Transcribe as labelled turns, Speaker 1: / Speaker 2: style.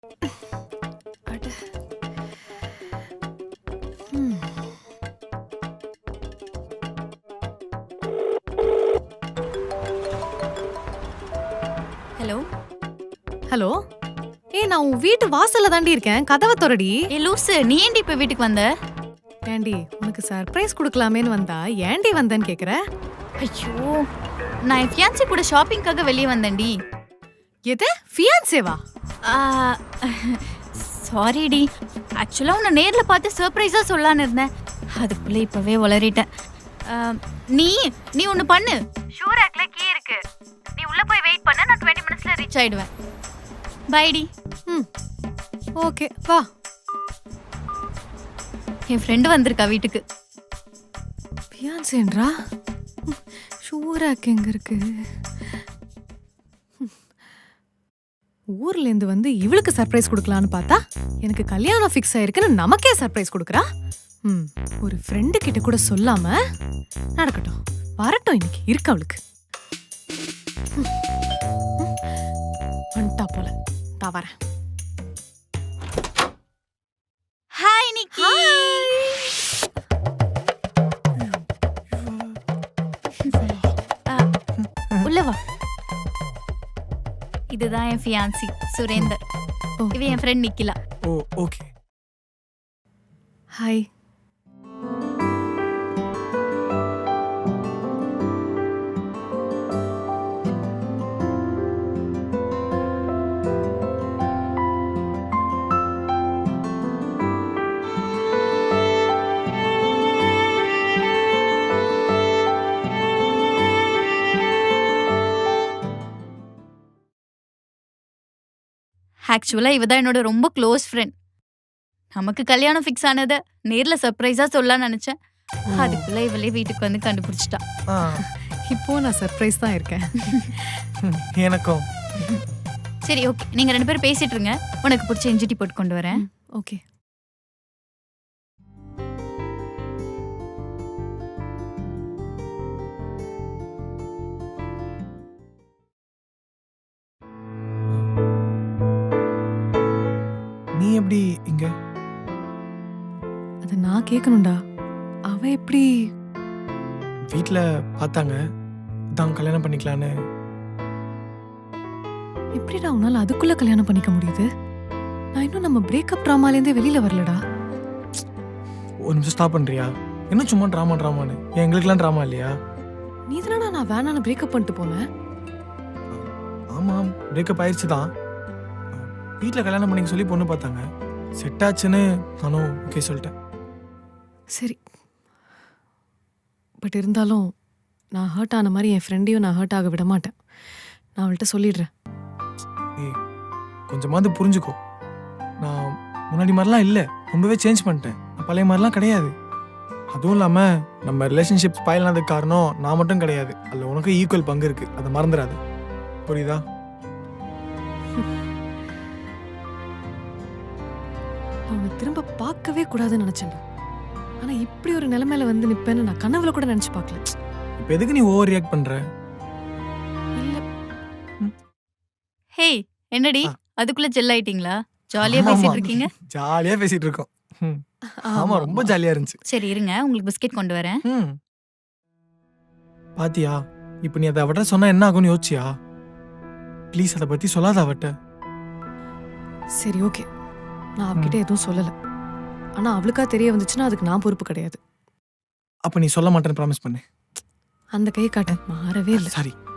Speaker 1: அட. ம்.
Speaker 2: Hello
Speaker 1: hello. நான் உன் வீட்டு வாசல்ல தாண்டி இருக்கேன். கதவை தொறடி.
Speaker 2: ஏ லூசு, நீ ஏன்டி இப்ப வீட்டுக்கு வந்த?
Speaker 1: ஏண்டி உனக்கு சர்ப்ரைஸ் கொடுக்கலாமேன்னு வந்தா ஏண்டி வந்தேன்னு கேக்குற?
Speaker 2: ஐயோ, நான் என் ஃபியான்சி கூட ஷாப்பிங்காக வெளியே வந்தேன்டி.
Speaker 1: எது ஃபியான்சேவா?
Speaker 2: சாரிடி, ஆக்சுவலாக உன்னை நேரில் பார்த்து சர்ப்ரைஸாக சொல்லலான்னு இருந்தேன். அதுக்குள்ளே இப்போவே உளறிட்டேன். நீ நீ ஒன்று பண்ணு. ஷூ ரேக்ல கீ இருக்கு, நீ உள்ளே போய் வெயிட் பண்ண, நான் 20 மினிட்ஸில் ரீச் ஆயிடுவேன். பைடி.
Speaker 1: ம், ஓகே வா.
Speaker 2: என் ஃப்ரெண்டு வந்திருக்கா வீட்டுக்கு.
Speaker 1: ஃபியான்சேன்றா? ஷூராக் எங்க இருக்கு? ஊர்ல இருந்து வந்து இவளுக்கு சர்ப்ரைஸ் கொடுக்கலான்னு பார்த்தா எனக்கு கல்யாணம் ஃபிக்ஸ் ஆயிருக்குன்னு நமக்கே சர்ப்ரைஸ் கொடுக்குறா. ஒரு ஃப்ரெண்டு கிட்ட கூட சொல்லாம நடக்கட்டும், வரட்டும், இன்னைக்கு இருக்கு அவளுக்கு. வந்துட்டா போல, நான் வரேன்.
Speaker 2: ஹாய் நிக்கி. உள்ள வா. இதுதான் என் ஃபியான்சி சுரேந்தர். இவ என் friend Nikhila.
Speaker 3: Oh okay.
Speaker 1: Hi.
Speaker 2: ஆக்சுவலா இவ தான் என்னோட ரொம்ப க்ளோஸ் ஃப்ரெண்ட். நமக்கு கல்யாணம் ஃபிக்ஸ் ஆனதை நேர்ல சர்ப்ரைஸா சொல்லலாம்னு நினைச்சேன். அதுக்குள்ள இவளே வீட்டுக்கு வந்து கண்டுபிடிச்சிட்டா.
Speaker 1: இப்போ நான் சர்ப்ரைஸ் தான் இருக்கேன்.
Speaker 3: எனக்கும்.
Speaker 2: சரி ஓகே, நீங்க 2 பேரும் பேசிட்டு இருங்க, உனக்கு பிடிச்ச இஞ்சி டீ போட்டு கொண்டு வரேன்.
Speaker 1: ஓகே.
Speaker 3: நீ எப்படி இங்க?
Speaker 1: அது நான் கேட்கணும்டா. அவ எப்படி?
Speaker 3: வீட்ல பார்த்தாங்க, தான் கல்யாணம் பண்ணிக்கலான்னு.
Speaker 1: எப்படிடா உன்னால அதுக்குள்ள கல்யாணம் பண்ணிக்க முடியுது? நான் இன்னும் நம்ம பிரேக்கப் ட்ராமாலேருந்தே வெளியில வரலடா.
Speaker 3: ஒரு நிமிஷம் ஸ்டாப் பண்றியா? என்ன சும்மா ட்ராமான்னு? எங்களுக்குலாம் ட்ராமா இல்லையா?
Speaker 1: நீ தானடா நான் வேணான்னு பிரேக்கப் பண்ணிட்டு போனேன்.
Speaker 3: ஆமாம், பிரேக்கப் ஆயிடுச்சு தான். வீட்டில் கல்யாணம் பண்ணிக்க சொல்லி பொண்ணு பார்த்தாங்க, செட் ஆச்சுன்னு நானும் ஓகே சொல்லிட்டேன்.
Speaker 1: சரி, பட் இருந்தாலும் நான் ஹர்ட் ஆன மாதிரி என் ஃப்ரெண்டையும் நான் ஹர்ட் ஆக விட மாட்டேன். நான் அவள்கிட்ட சொல்லிடுறேன்.
Speaker 3: ஏய், கொஞ்சமாவது புரிஞ்சுக்கோ. நான் முன்னாடி மாதிரிலாம் இல்லை, ரொம்பவே சேஞ்ச் பண்ணிட்டேன். நான் பழைய மாதிரிலாம் கிடையாது. அதுவும் இல்லாமல் நம்ம ரிலேஷன்ஷிப் ஸ்பாயில் ஆனதுக்கு காரணம் நான் மட்டும் கிடையாது, அதில் உனக்கு ஈக்குவல் பங்கு இருக்குது, அதை மறந்துடாது. புரியுதா?
Speaker 1: நான் உன்னை திரும்ப பார்க்கவே கூடாதுன்னு நினைச்சேன். ஆனா இப்படி ஒரு நிலைமையில வந்து நிப்பேன்னு நான் கனவுல கூட நினைச்சு பார்க்கல.
Speaker 3: இப்போ எதுக்கு நீ ஓவர் ரியாக்ட் பண்ற?
Speaker 1: இல்ல,
Speaker 2: ஹேய், என்னடி அதுக்குள்ள ஜெல் ஆயிட்டீங்களா? ஜாலியா பேசிட்டு இருக்கீங்க.
Speaker 3: ஜாலியா பேசிட்டு இருக்கோம். ஆமா, ரொம்ப ஜாலியா இருந்துச்சு.
Speaker 2: சரி இருங்க, உங்களுக்கு பிஸ்கெட் கொண்டு வரேன்.
Speaker 3: பாத்தியா, இப்போ நீ அதை அவட்ட சொன்னா என்ன ஆகும்னு யோசிச்சியா? ப்ளீஸ் அதை பத்தி சொல்லாத அவட்ட.
Speaker 1: சரி ஓகே, நான் அவகிட்ட எதுவும் சொல்லல. ஆனா அவளுக்கா தெரிய வந்துச்சுன்னா அதுக்கு நான் பொறுப்பு கிடையாது.
Speaker 3: அப்ப நீ சொல்ல மாட்டேன்னு ப்ராமிஸ் பண்ணு.
Speaker 1: அந்த கை காட்ட மாறவே இல்லை.
Speaker 3: சாரி.